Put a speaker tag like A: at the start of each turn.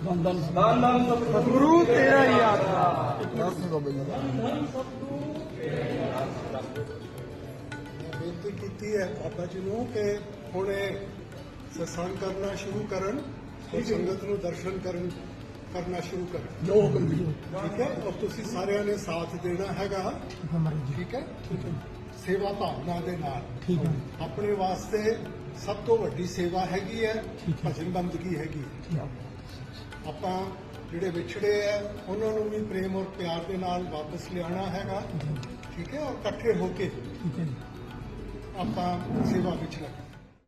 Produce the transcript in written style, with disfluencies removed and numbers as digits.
A: सतगुरु तेरा ही आसरा।
B: ਬੇਨਤੀ ਕੀਤੀ ਹੈ ਬਾਬਾ ਜੀ ਨੂੰ ਕਿ ਹੁਣ ਇਹ ਸਤਸੰਗ ਕਰਨਾ ਸ਼ੁਰੂ ਕਰਨ ਤੇ ਸੰਗਤ ਨੂੰ ਦਰਸ਼ਨ ਕਰਨਾ ਸ਼ੁਰੂ ਕਰਨ।
A: जो हुक्म जी।
B: ਠੀਕ ਹੈ, ਔਰ ਤੁਸੀਂ ਸਾਰਿਆਂ ਨੇ ਸਾਥ ਦੇਣਾ ਹੈਗਾ। ਠੀਕ ਹੈ, ਸੇਵਾ ਭਾਵਨਾ ਦੇ ਨਾਲ।
A: ठीक है।
B: ਆਪਣੇ ਵਾਸਤੇ ਸਭ ਤੋਂ ਵੱਡੀ ਸੇਵਾ ਹੈਗੀ ਹੈ ਭਜਨ ਬੰਦਗੀ ਹੈਗੀ ਹੈ। ਆਪਾਂ ਜਿਹੜੇ ਵਿਛੜੇ ਆ ਉਹਨਾਂ ਨੂੰ ਵੀ ਪ੍ਰੇਮ ਔਰ ਪਿਆਰ ਦੇ ਨਾਲ ਵਾਪਸ ਲਿਆਉਣਾ ਹੈਗਾ। ਠੀਕ ਹੈ, ਔਰ ਇਕੱਠੇ ਹੋ ਕੇ
A: ठीक है।
B: ਆਪਾਂ ਸੇਵਾ ਵਿੱਚ ਲੱਗ